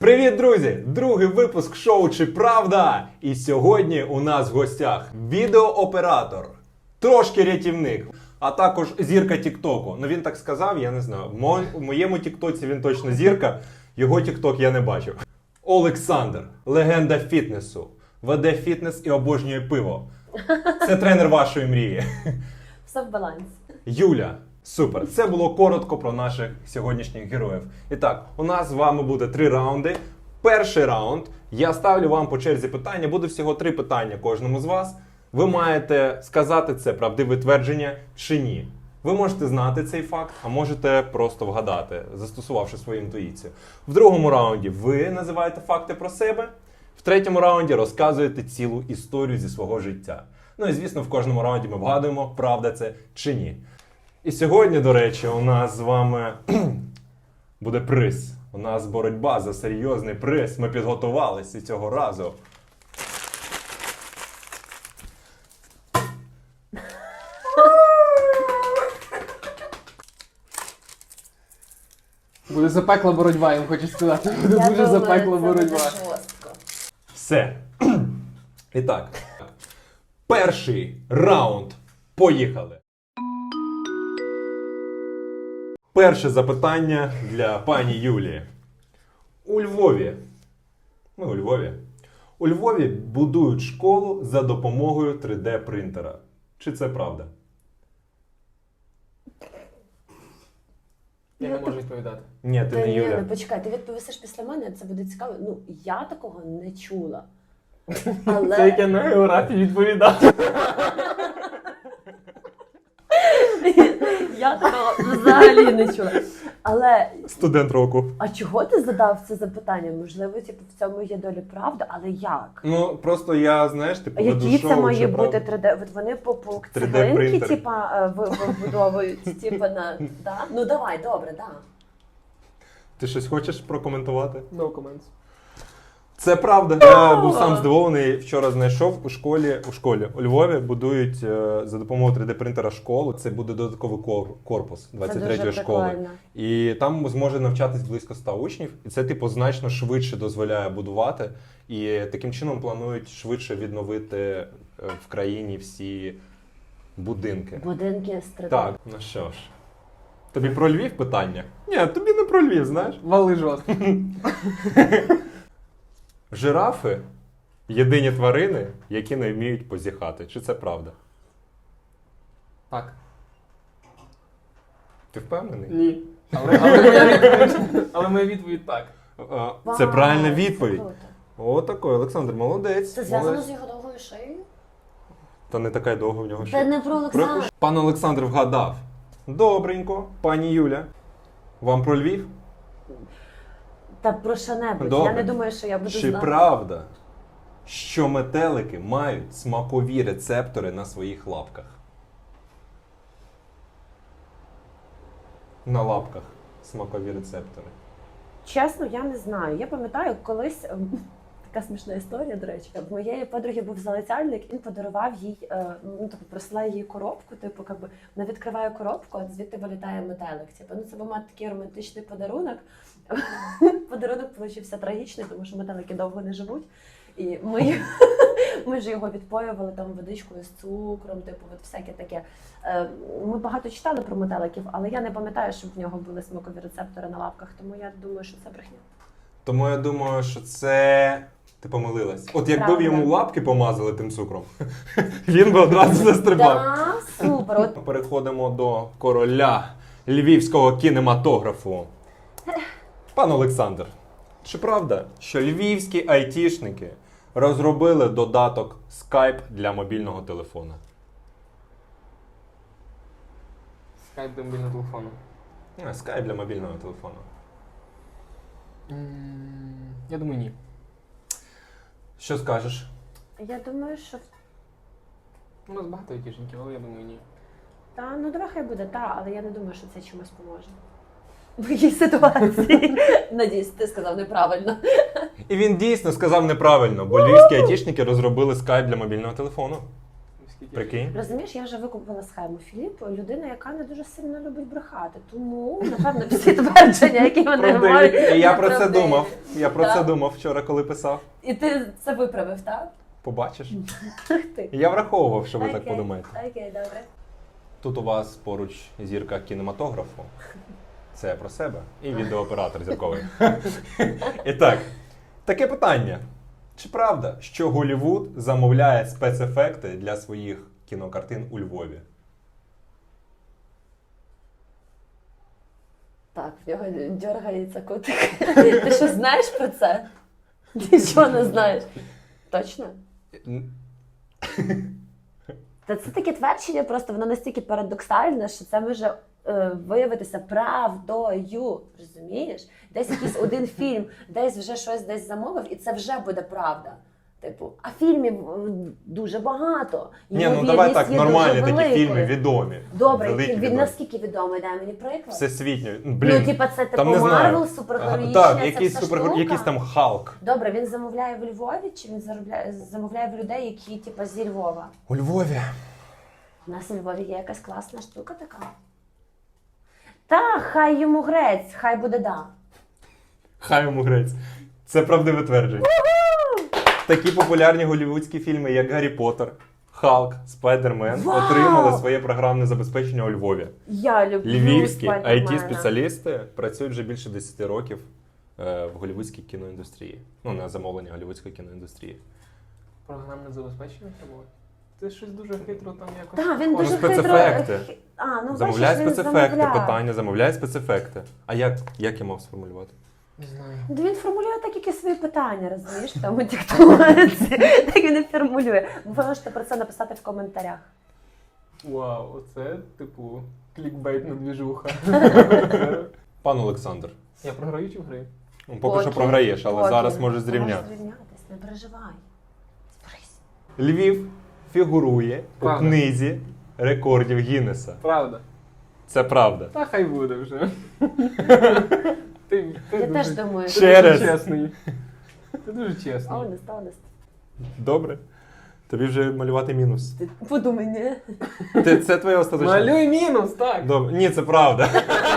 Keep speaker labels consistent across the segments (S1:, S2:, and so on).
S1: Привіт, друзі! Другий випуск шоу «Чи правда?» І сьогодні у нас в гостях відеооператор, трошки рятівник, а також зірка Тіктоку. Ну він так сказав, я не знаю. В моєму Тіктоці він точно зірка, його Тікток я не бачив. Олександр, легенда фітнесу, веде фітнес і обожнює пиво. Це тренер вашої мрії.
S2: Все в балансі.
S1: Юля. Супер. Це було коротко про наших сьогоднішніх героїв. І так, у нас з вами буде 3 раунди. Перший раунд. Я ставлю вам по черзі питання. Буде всього 3 питання кожному з вас. Ви маєте сказати це правдиве твердження чи ні. Ви можете знати цей факт, а можете просто вгадати, застосувавши свою інтуїцію. В другому раунді ви називаєте факти про себе. В третьому раунді розказуєте цілу історію зі свого життя. Ну і звісно, в кожному раунді ми вгадуємо, правда це чи ні. І сьогодні, до речі, у нас з вами буде приз. У нас боротьба за серйозний приз. Ми підготувалися цього разу.
S3: Буде запекла боротьба, я вам хочу сказати. Буде дуже запекла боротьба.
S1: Все. І так. Перший раунд. Поїхали. Перше запитання для пані Юлії. У Львові. Ми у Львові. У Львові будують школу за допомогою 3D-принтера. Чи це правда?
S3: Я не можу відповідати.
S1: Ні, ти не Юля.
S2: Ні, почекай, ти відповісиш після мене, це буде цікаво. Ну, я такого не чула. Але...
S3: Це як я на географії відповідав.
S2: Я такого взагалі не чула. Але,
S1: Студент року.
S2: а чого ти задав це запитання? Можливо, типу, в цьому є доля правди, але як?
S1: Ну, просто я, знаєш, типу,
S2: А
S1: веду
S2: який
S1: шоу,
S2: це має
S1: що
S2: бути
S1: правда.
S2: 3D? От вони по
S1: 3D
S2: цеглинки,
S1: принтер.
S2: типа, вибудовують, типа, на... Да? Ну, давай, добре, да.
S1: Ти щось хочеш прокоментувати?
S3: No comments.
S1: Це правда. Я був сам здивований. Вчора знайшов у школі у Львові будують за допомогою 3D-принтера школу. Це буде додатковий корпус 23-ї школи.
S2: Прикольно.
S1: І там зможе навчатись близько 100 учнів. І це, типу, значно швидше дозволяє будувати. І таким чином планують швидше відновити в країні всі будинки.
S2: Будинки з 3D.
S1: Так, ну що ж. Тобі про Львів питання? Ні, тобі не про Львів, знаєш.
S3: Вали жорстко.
S1: Жирафи – єдині тварини, які не вміють позіхати. Чи це правда?
S3: Так.
S1: Ти впевнений?
S3: Ні. Але моя відповідь так.
S1: Це
S2: Вау,
S1: правильна
S2: це
S1: відповідь.
S2: круто.
S1: Отакий, Олександр, молодець.
S2: Це зв'язано
S1: Молодець.
S2: з його довгою шиєю?
S1: Та не така й довга в нього
S2: Це
S1: ще.
S2: не про Олександра.
S1: Пан Олександр вгадав. Добренько. Пані Юля, вам про Львів?
S2: Та про що-небудь.
S1: Добре.
S2: Я не думаю, що я буду
S1: Чи
S2: знати.
S1: правда, що метелики мають смакові рецептори на своїх лапках? На лапках смакові рецептори.
S2: Чесно, я не знаю. Я пам'ятаю, колись така смішна історія, до речі. В моєї подруги був залицяльник, він подарував їй, ну тобто присилає їй коробку, типу, якби вона відкриває коробку, а звідти вилітає метелик. Типу, ну це був такий романтичний подарунок. Подарунок получився трагічний, тому що метелики довго не живуть. І ми ж його відпоювали там водичкою з цукром, типу, от всяке таке. Ми багато читали про метеликів, але я не пам'ятаю, щоб в нього були смакові рецептори на лапках, тому я думаю, що це брехня.
S1: Тому я думаю, що це... Ти помилилась. От якби
S2: Правда.
S1: йому лапки помазали тим цукром, він би одразу застрибав.
S2: Да, супер. От
S1: Переходимо до короля львівського кінематографу. Пан Олександр, чи правда, що львівські айтішники розробили додаток Skype для мобільного телефона?
S3: Скайп до мобільного телефону.
S1: Skype для мобільного телефону.
S3: Я думаю, ні.
S1: Що скажеш?
S2: я думаю, що
S3: У нас багато айтішників, але я думаю, ні.
S2: та, ну давай хай буде та, але я не думаю, що це чимось поможе. В якій ситуації? Надіюсь, ти сказав неправильно.
S1: І він дійсно сказав неправильно, бо львівські айтішники розробили Skype для мобільного телефону.
S3: скільки.
S1: Прикинь?
S2: Розумієш, я вже викупила схему. Філіп людина, яка не дуже сильно любить брехати. Тому, напевно, всі твердження, які вони
S1: Правдиві.
S2: говорять,
S1: І я про це
S2: неправдиві.
S1: думав. Я про це
S2: Так.
S1: думав вчора, коли писав.
S2: І ти це виправив, так?
S1: Побачиш?
S2: Ах ти.
S1: Я враховував, що ви так
S2: Окей.
S1: подумаєте.
S2: Окей, добре.
S1: Тут у вас поруч зірка кінематографу. Це про себе. І відеооператор зірковий. І так, таке питання. Чи правда, що Голлівуд замовляє спецефекти для своїх кінокартин у Львові?
S2: Так, в нього дергається котик. Ти що знаєш про це? Нічого не знаєш. Точно? Та це таке твердження, просто воно настільки парадоксальне, що це може виявитися правдою. Розумієш? Десь якийсь один фільм, десь вже щось десь замовив, і це вже буде правда. Типу, а фільмів дуже багато.
S1: Ні, ну давай так,
S2: Ймовірність є
S1: нормальні
S2: дуже
S1: такі
S2: великою.
S1: фільми, відомі.
S2: Добре,
S1: Великі, відомі.
S2: наскільки відомий, дай мені приклад.
S1: Всесвітньо.
S2: Ну,
S1: Блін,
S2: типа, це типу
S1: там не знаю.
S2: Марвел, супергероїчна,
S1: Так,
S2: ця
S1: якийсь
S2: вся штука.
S1: якийсь там Халк.
S2: Добре, він замовляє в Львові, чи він замовляє в людей, які типу, зі Львова?
S1: У Львові.
S2: У нас у Львові є якась класна штука така. Та, хай йому грець, хай буде да.
S1: Хай йому грець. Це правдиве твердження. Такі популярні голлівудські фільми, як Гаррі Поттер, Халк, Спайдермен,
S2: Вау!
S1: отримали своє програмне забезпечення у Львові.
S2: Я люблю
S1: Львівські
S2: Спайдермена.
S1: IT-спеціалісти працюють вже більше 10 років в голлівудській кіноіндустрії. Ну, на замовлення голлівудської кіноіндустрії.
S3: Програмне забезпечення треба? Ти щось дуже хитро там якось.
S2: Так, він
S1: Ну,
S2: дуже
S1: спецефекти.
S2: хитро. Ну,
S1: Замовляє
S2: бачиш, він
S1: спецефекти,
S2: замовляє.
S1: питання, замовляє спецефекти. А як я мав сформулювати?
S3: Не знаю.
S2: Ну, він формулює так, які свої питання, розумієш, в тому тіктоці. Так він і формулює. Ви можете про це написати в коментарях.
S3: Вау, оце, типу, клікбейтна двіжуха.
S1: Пан Олександр,
S3: Я програю чи вграю?
S1: ну, поки що
S2: Окей.
S1: програєш, але
S2: Окей.
S1: зараз можеш
S2: Ти
S1: зрівняти.
S2: Можеш зрівнятись, не переживай. Зберись.
S1: Львів фігурує у
S3: Правда.
S1: книзі рекордів Гіннеса.
S3: Правда.
S1: Це правда.
S3: Та хай буде вже. Ти
S2: Я
S3: дуже,
S2: теж думаю,
S1: Ще
S3: дуже
S1: раз.
S3: чесний. Ти дуже чесний.
S2: honest.
S1: Добре. Тобі вже малювати мінус.
S2: Ти подумай, ні?
S1: Це твоє остаточне.
S3: Малюй мінус, так.
S1: Добре. Ні, це правда.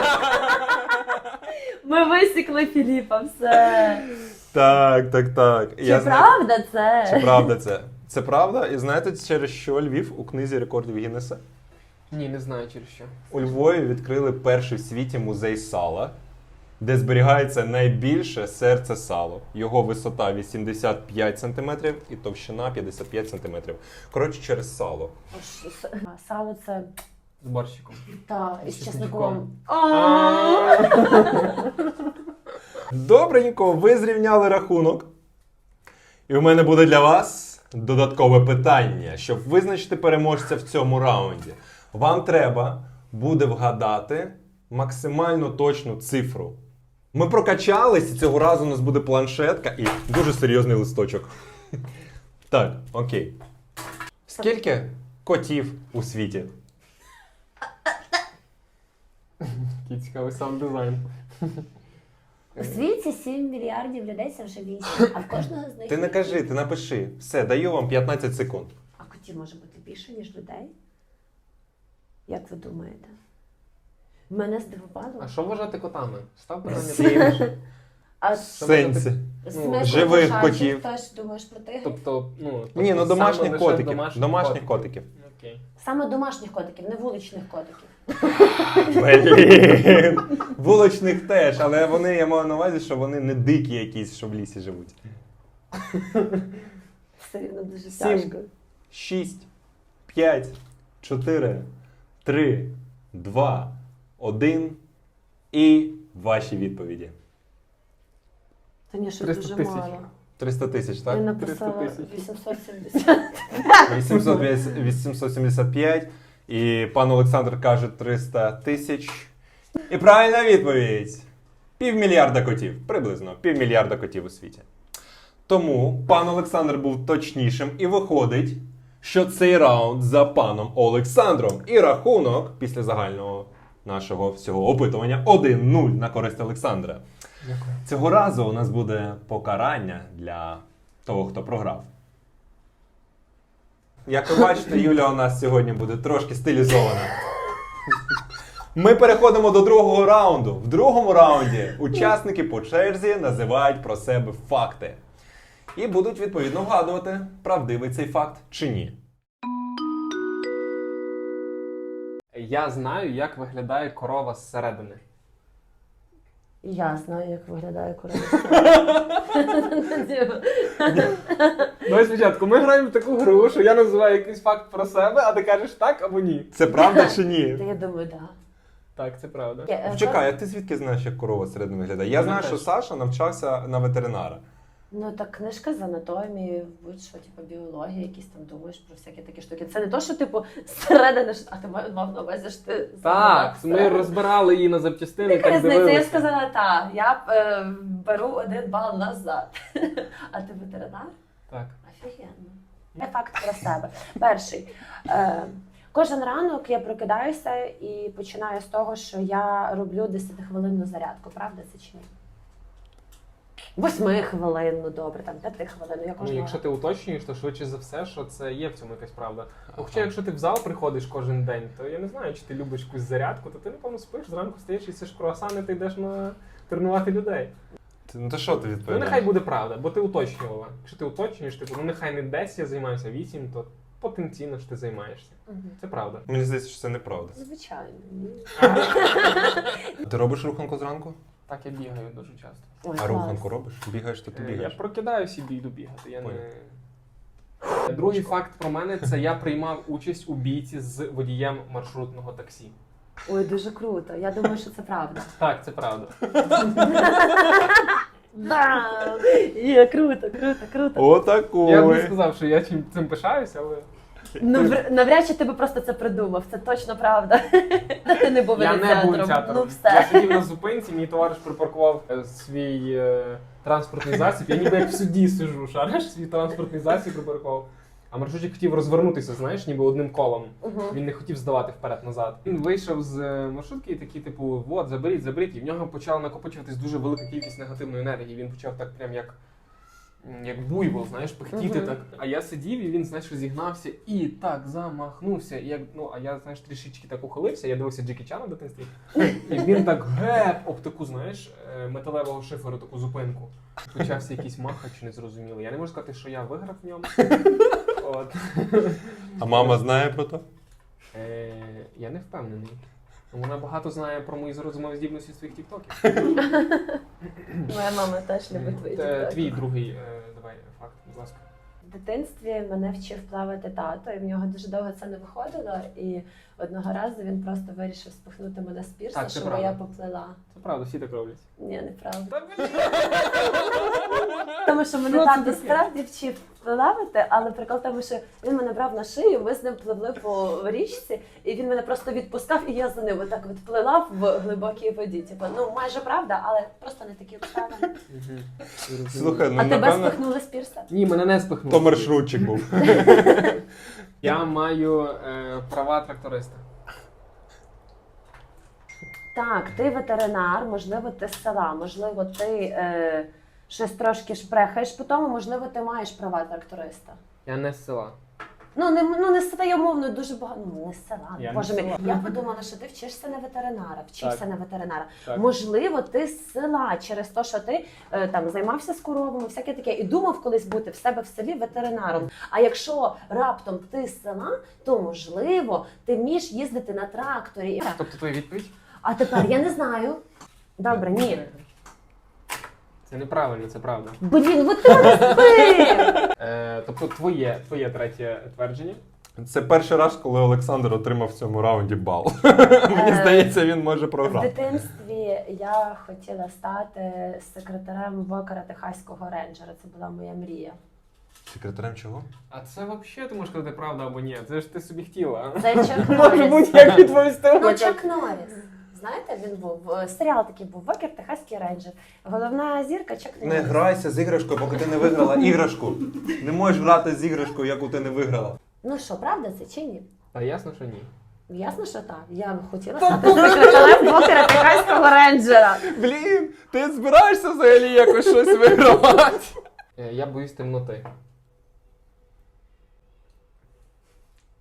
S2: Ми висікли Філіпа, все.
S1: Так.
S2: Чи правда це?
S1: Чи правда це? Це правда? І знаєте, через що Львів у книзі рекордів Гіннеса?
S3: Ні, не знаю через що.
S1: У Львові відкрили перший в світі музей сала, де зберігається найбільше серце сало. Його висота 85 см і товщина 55 см. Коротше, через сало.
S2: Сало це
S3: З борщиком.
S2: та із
S3: З
S2: чесником.
S1: Добренько, ви зрівняли рахунок. І у мене буде для вас додаткове питання. Щоб визначити переможця в цьому раунді, вам треба буде вгадати максимально точну цифру. Ми прокачались, і цього разу у нас буде планшетка і дуже серйозний листочок. Так, окей. Скільки котів у світі?
S3: Який цікавий сам дизайн.
S2: У світі 7 мільярдів людей, це вже 8. А в кожного з них...
S1: Ти не кажи, ти напиши. Все, даю вам 15 секунд.
S2: А котів може бути більше, ніж людей? Як ви думаєте? Мене здивувало.
S3: А що вважати котами? Став питання.
S1: Сім.
S2: А
S1: В сенсі.
S2: смисл
S1: живих
S2: кошачий,
S1: котів.
S2: Теж думаєш про тигрів?
S3: Тобто,
S1: Ні, ну домашніх
S3: саме лише
S1: котиків. Домашніх котиків.
S3: Окей.
S2: Саме домашніх котиків, не вуличних котиків.
S1: Блін. Вуличних теж, але вони, я маю на увазі, що вони не дикі якісь, що в лісі живуть.
S2: Все рівно дуже
S1: 7,
S2: тяжко.
S1: 6, 5, 4, 3, 2, 1 і ваші відповіді.
S2: Та ні, що
S3: 300
S2: дуже
S3: тисяч.
S2: мало.
S1: 300 тисяч,
S2: Я
S1: так?
S2: написала
S3: 300 тисяч.
S2: 870.
S1: 875. І пан Олександр каже 300 тисяч. І правильна відповідь. 500 мільярда котів. Приблизно 500 мільярда котів у світі. Тому пан Олександр був точнішим і виходить, що цей раунд за паном Олександром. І рахунок після загального нашого всього опитування 1-0 на користь Олександра.
S3: Дякую.
S1: Цього разу у нас буде покарання для того, хто програв. Як ви бачите, Юля у нас сьогодні буде трошки стилізована. Ми переходимо до другого раунду. В другому раунді учасники по черзі називають про себе факти. І будуть відповідно вгадувати, правдивий цей факт чи ні.
S3: Я знаю, як виглядає корова зсередини.
S2: Я знаю, як виглядає корова.
S3: Давай спочатку, ми граємо в таку гру, що я називаю якийсь факт про себе, а ти кажеш так або ні.
S1: Це правда чи ні?
S2: Я думаю, так.
S3: Так, це правда.
S1: Чекай, а ти звідки знаєш, як корова всередині виглядає? Я знаю, що Саша навчався на ветеринара.
S2: Ну так книжка з анатомії, будь-що, типу, біологія, якісь там думаєш про всякі такі штуки. Це не то, що типу зсередини, а ти мав на увазі, що ти
S3: Так, ми розбирали її на запчастини,
S2: Яка
S3: так
S2: різниця? Я
S3: дивилися.
S2: сказала, так, я беру 1 бал назад. А ти ветеринар?
S3: Так.
S2: Офігенно. Є факт про себе. Перший. Кожен ранок я прокидаюся і починаю з того, що я роблю 10-хвилинну зарядку. Правда це чи ні? 8-хвилинну, добре, там 5-хвилинну. Я
S3: Ну,
S2: кожного
S3: якщо ти уточнюєш, то швидше за все, що це є в цьому якась правда. Хоча якщо ти в зал приходиш кожен день, то я не знаю, чи ти любиш якусь зарядку, то ти, напевно, спиш, зранку стаєш, їсиш круасани, ти йдеш тренувати людей.
S1: Ну то що ти
S3: Ну
S1: відповідаєш?
S3: нехай буде правда, бо ти уточнювала. Якщо ти уточнюєш, типу, ну нехай не 10 я займаюся, а 8, то потенційно ж ти займаєшся.
S2: Мгм.
S3: Це правда.
S1: Мені здається, що це неправда.
S2: Звичайно. Ні.
S1: Ти робиш руханку зранку?
S3: Так я бігаю дуже часто.
S2: Ой,
S1: А
S2: клас.
S1: руханку робиш? Бігаєш, то ти
S3: Я
S1: бігаєш.
S3: прокидаюся і йду бігати. Я
S1: Понял.
S3: не... Другий факт про мене це я приймав участь у бійці з водієм маршрутного таксі.
S2: Ой, дуже круто. Я думаю, що це правда.
S3: Так, це правда.
S2: Да! Є, круто, круто, круто.
S1: Отакої.
S3: Я б не сказав, що я цим пишаюся, але
S2: Ну, навряд чи ти би просто це придумав, це точно правда. Ти не був
S3: я не був
S2: ініціатором.
S3: ініціатором.
S2: Ну
S3: Я
S2: все.
S3: сидів на зупинці, мій товариш припаркував свій транспортний засіб. Я ніби як в суді сижу, шариш, свій транспортний засіб припаркував. А маршрутчик хотів розвернутися, знаєш, ніби одним колом.
S2: Мгм.
S3: Він не хотів здавати вперед-назад. Він вийшов з маршрутки і такий, типу, от, заберіть. І в нього почала накопичуватись дуже велика кількість негативної енергії. Він почав так прям як буйвол, знаєш, пихтіти
S2: Мгм.
S3: так. А я сидів і він, знаєш, розігнався і так замахнувся. І а я, знаєш, трішечки так ухилився. Я дивився Джекі Чана в дитинстві. І він так геп об таку, знаєш, металевого шиферу, таку зупинку. Почався якийсь махач незрозумілий. Я не можу сказати, що я виграв в ньому. От.
S1: А мама знає про то?
S3: Я не впевнений. Вона багато знає про мої розумові здібності з своїх тіктоків.
S2: Моя мама теж любить твої тіктоки.
S3: Твій другий, давай, факт, будь ласка.
S2: В дитинстві мене вчив плавати тато, і в нього дуже довго це не виходило. І одного разу він просто вирішив спихнути мене з пірса,
S3: Так, це
S2: щоб
S3: правда.
S2: я поплила.
S3: Це правда, всі так роблять.
S2: Ні, неправда.
S3: Та блін!
S2: Тому що мене
S3: Що це
S2: тато
S3: таке?
S2: справді вчив плавати, але прикол в тому, що він мене брав на шию, ми з ним пливли по річці, і він мене просто відпускав, і я за ним отак от плила в глибокій воді. Типу, ну майже правда, але просто не такі обставини.
S1: Слухай, ну
S2: А тебе
S1: напевно,
S2: спихнули з пірса?
S3: Ні, мене не спихнули.
S1: то маршрутчик був.
S3: Я маю права тракториста.
S2: Так, ти ветеринар, можливо, ти з села, можливо, ти щось трошки шпрехаєш по тому, можливо, ти маєш права тракториста.
S3: Я не з села.
S2: Ну, не з села, я умовно, дуже багато, ну, не з села,
S3: Я не
S2: боже
S3: з
S2: мій.
S3: села.
S2: Я подумала, що ти вчишся на ветеринара, вчився
S3: Так.
S2: на ветеринара.
S3: Так.
S2: Можливо, ти з села через те, що ти там займався з коровами, всяке таке, і думав колись бути в себе в селі ветеринаром. А якщо раптом ти з села, то можливо, ти вмієш їздити на тракторі.
S3: Тобто твоя відповідь?
S2: А тепер я не знаю. Добре, ні.
S3: Це неправильно, це правда.
S2: Блін, от ти мене збив!
S3: Тобто твоє третє твердження.
S1: Це перший раз, коли Олександр отримав в цьому раунді бал. Мені здається, він може
S2: В
S1: програти.
S2: дитинстві я хотіла стати секретарем вокера Техаського рейнджера. Це була моя мрія.
S1: Секретарем чого?
S3: А це взагалі ти можеш сказати правда або ні. Це ж ти собі хотіла.
S2: Це Чак
S3: Може
S2: Норріс.
S3: будь-як відповісти.
S2: Ну, Чак Норріс. Знаєте, він був серіал такий був Вокер Техаський рейнджер. Головна зірка Чак Норріс.
S1: Не грайся з іграшкою, поки ти не виграла іграшку. Не можеш грати з іграшкою, яку ти не виграла.
S2: Ну що, правда це чи ні?
S3: Та ясно, що ні.
S2: Ясно, що так. Я хотіла стати секретарем Вокера Техаського рейнджера.
S1: Блін, ти збираєшся взагалі якось щось вигравати?
S3: Я боюсь темноти.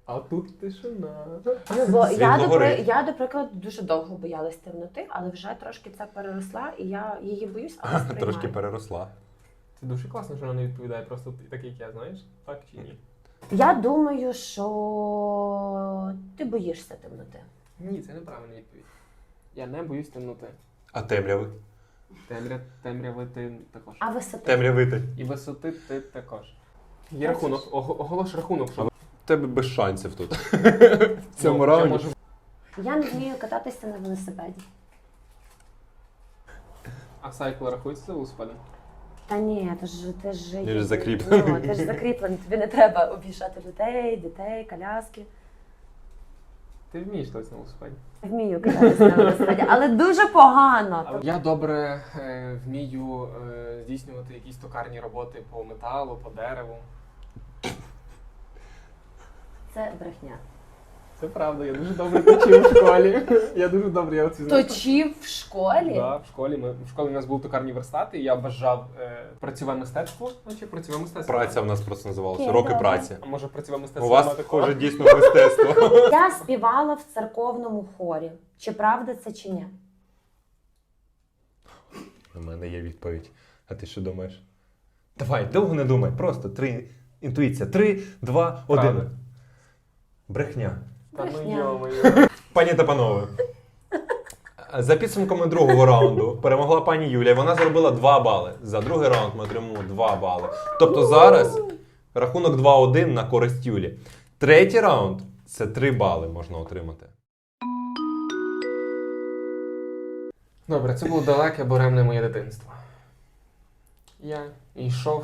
S3: А тут тишина.
S2: Ну, бо
S1: Світло горить.
S2: я, до прикладу, дуже довго боялась темноти, але вже трошки це переросла, і я її боюсь, але сприймаю.
S1: Трошки переросла.
S3: Це дуже класно, що вона не відповідає просто так, як я, знаєш? Так чи ні?
S2: Я думаю, що ти боїшся темноти.
S3: Ні, це неправильна відповідь. Я не боюсь темноти.
S1: А темряви?
S3: Темряви ти також.
S2: А висоти?
S1: Темрявити.
S3: І висоти ти також. Є рахунок, оголош рахунок, що
S1: У тебе без шансів тут. В цьому
S3: я
S1: раунді.
S3: можу.
S2: Я не вмію кататися на велосипеді.
S3: А сайкл рахується за велосипедом?
S2: Та ні, ти ж
S1: Він ж закріплений.
S2: Ну, ти ж закріплений, тобі не треба об'їжджати людей, дітей, коляски.
S3: Ти вмієш лазити на велосипеді?
S2: Вмію кататися на велосипеді, але дуже погано.
S3: Я добре вмію здійснювати якісь токарні роботи по металу, по дереву.
S2: Це брехня.
S3: Це правда, я дуже добре точив в школі. Я дуже добре, я оці знаю.
S2: Точив в школі?
S3: Да, в школі у нас були токарні верстати, і я бажав працьове мистецтво. Значить, працьове мистецтво.
S1: Праця в нас просто називалася.
S2: Окей,
S1: Роки
S2: добре.
S1: праці.
S3: А може працьове
S1: У
S3: мистецтво?
S1: вас,
S3: нема такого?
S1: схоже, дійсно мистецтво.
S2: Я співала в церковному хорі. Чи правда це, чи ні?
S1: У мене є відповідь. А ти що думаєш? Давай, довго не думай. Просто інтуїція. 3, 2, 1.
S3: Правда.
S1: Брехня.
S3: Та ну
S2: Брехня.
S3: йо-моє.
S1: Пані та панове. За підсумками другого раунду перемогла пані Юлія. Вона заробила 2 бали. За другий раунд ми отримуємо 2 бали. Тобто зараз рахунок 2-1 на користь Юлі. Третій раунд – це 3 бали можна отримати.
S3: Добре, це було далеке буремне моє дитинство. Я йшов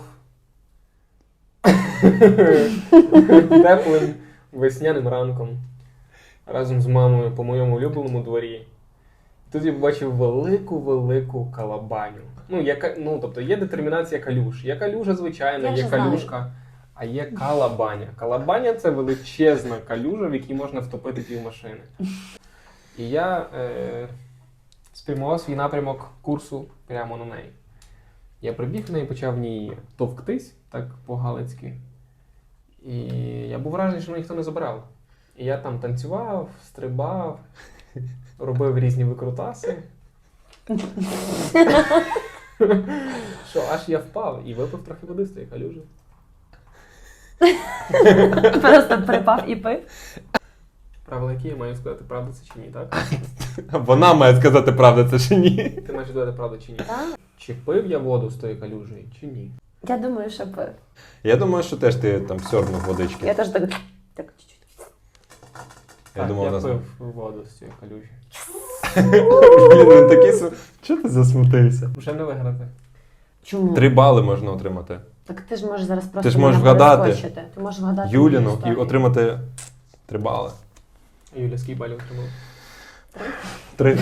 S3: теплим весняним ранком разом з мамою по моєму улюбленому дворі. Тут я побачив велику калабаню. Тобто є детермінація калюж. Є калюжа звичайна,
S2: Я
S3: є
S2: вже знаю.
S3: калюшка, а є калабаня. Калабаня – це величезна калюжа, в якій можна втопити півмашини. І я спрямував свій напрямок курсу прямо на неї. Я прибіг в неї, почав в ній товктись, так по-галицьки. І я був вражений, що мене ніхто не забирав. І я там танцював, стрибав, робив різні викрутаси. Що аж я впав і випив трохи води з тієї калюжі.
S2: Просто припав і пив.
S3: Правила які я маю сказати, правда це чи ні, так?
S1: Вона має сказати, правда це чи ні.
S3: Ти маєш сказати, правда чи ні?
S2: Так?
S3: Чи пив я воду з тої калюжі, чи ні?
S2: Я думаю, що пив.
S1: Я думаю, що теж ти там сьорнув водички.
S2: Я теж так чуть-чуть.
S1: Я
S3: Так,
S1: думав,
S3: я
S1: у нас...
S3: пив воду з цієї калюжі.
S1: Блін, він такий... Чого ти засмутився?
S3: Вже не виграти.
S2: Чому?
S1: 3 бали можна отримати.
S2: Так ти ж можеш зараз просто
S1: Ти ж можеш
S2: мене
S1: вгадати
S2: перескочити. Ти можеш вгадати
S1: Юліну
S2: мою
S1: і
S2: історію.
S1: отримати 3 бали.
S3: А Юля, скільки балів отримала?
S1: 3.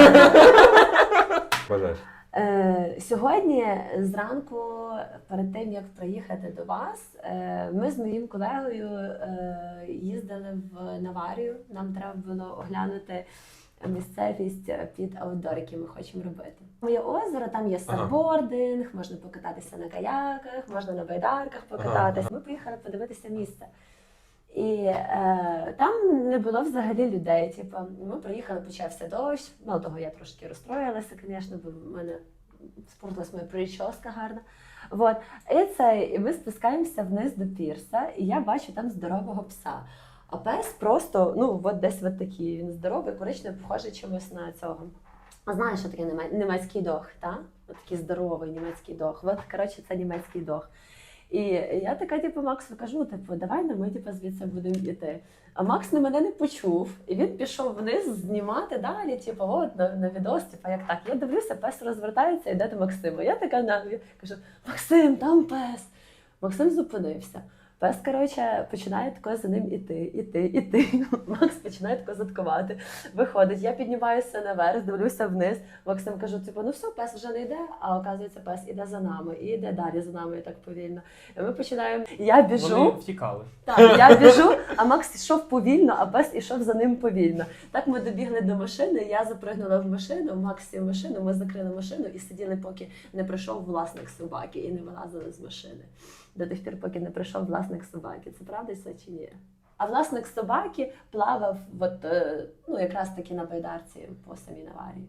S1: Бажаєш.
S2: Сьогодні зранку, перед тим як приїхати до вас, ми з моїм колегою їздили в Наварію. Нам треба було оглянути місцевість під аутдор, який ми хочемо робити. Моє озеро, там є саббординг, можна покататися на каяках, можна на байдарках покататися. Ми поїхали подивитися місце. І там не було взагалі людей. Типу, ми приїхали, почався дощ. Мало того, я трошки розстроїлася, звісно, бо в мене спортилась моя прическа гарна. Вот. І ми спускаємося вниз до пірса, і я бачу там здорового пса. А пес просто, десь такий, він здоровий, коричневий, похожий чимось на цього. А знаєш, що таке німецький дог, так? Такий здоровий німецький дог. Коротше, це німецький дог. І я така, Максу кажу, давай ми, звідси будемо йти. А Макс на мене не почув, і він пішов вниз знімати далі, на відос, як так. Я дивлюся, пес розвертається і йде до Максима. Я така кажу, Максим, там пес. Максим зупинився. Пес, починає тако за ним іти. Макс починає тако заткувати. Виходить, я піднімаюся наверх, дивлюся вниз. Максим кажу, все, пес вже не йде, а оказується, пес іде за нами. І йде далі за нами так повільно. І ми починаємо, я біжу.
S3: Вони втікали.
S2: Так, я біжу, а Макс йшов повільно, а пес ішов за ним повільно. Так ми добігли до машини, я запригнула в машину, Макс сів в машину, ми закрили машину і сиділи, поки не прийшов власник собаки і не вилазили з машини. До тих пір, поки не прийшов власник собаки. Це правда це чи ні? А власник собаки плавав от, ну, якраз таки на байдарці по самій Наварії.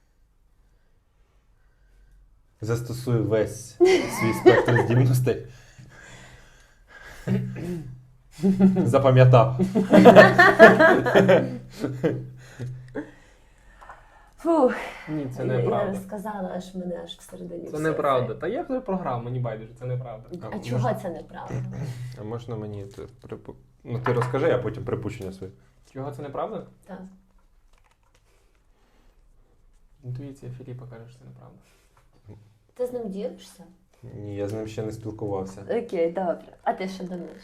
S1: Застосуй весь свій спектр здібностей. Запам'ятав.
S2: Фух,
S3: Ні, це
S2: я
S3: неправда.
S2: сказала, аж мене аж всередині.
S3: Це
S2: все
S3: неправда. Та я вже програв, мені байдуже, це неправда.
S2: А чого це неправда?
S1: А можна мені Ну ти розкажи, а потім припущення своє.
S3: Чого це неправда?
S2: Так.
S3: Інтуїція Філіпа каже, що це неправда.
S2: Ти з ним ділишся?
S1: Ні, я з ним ще не спілкувався.
S2: Окей, добре. А ти що думаєш?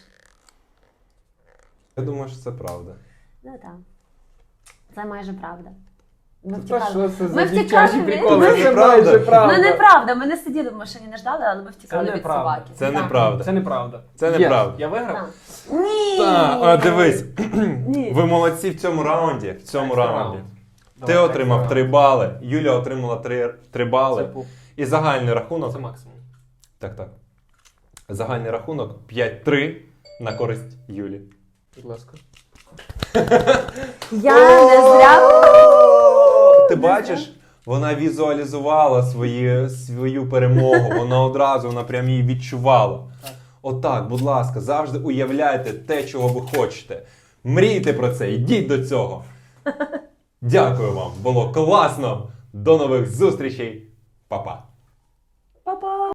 S1: Я думаю, що це правда.
S2: Ну так. Це майже правда. Ми
S3: Та
S2: втікали.
S3: що це
S2: Ми
S3: за
S2: втікали
S3: дівчачі
S2: від-
S3: приколи?
S1: Це
S3: Це
S1: неправда.
S3: майже правда.
S2: Ну неправда, ми не сиділи в машині, не ждали, але ми втікали
S3: Це
S2: від
S3: неправда.
S2: собаки.
S1: Це
S2: Так.
S1: неправда.
S3: Це неправда.
S1: Це
S3: Є.
S1: неправда.
S3: Я виграв?
S2: Так. Ні!
S1: Так, дивись,
S2: Ні.
S1: ви молодці в цьому раунді. В цьому
S3: Екстра
S1: раунді.
S3: раунд.
S1: Ти
S3: Давай,
S1: отримав
S3: екстра
S1: 3 бали, Юля отримала 3
S3: раунд.
S1: бали.
S3: Це пуп.
S1: І загальний рахунок.
S3: Це максимум.
S1: Так. Загальний рахунок 5-3 на користь Юлі.
S3: Будь ласка.
S2: Я не зря.
S1: Ти бачиш, вона візуалізувала свою перемогу, вона прям її відчувала.
S3: Так.
S1: Отак, будь ласка, завжди уявляйте те, чого ви хочете. Мрійте про це, йдіть до цього. Дякую вам, було класно. До нових зустрічей. Па-па.
S2: Па-па!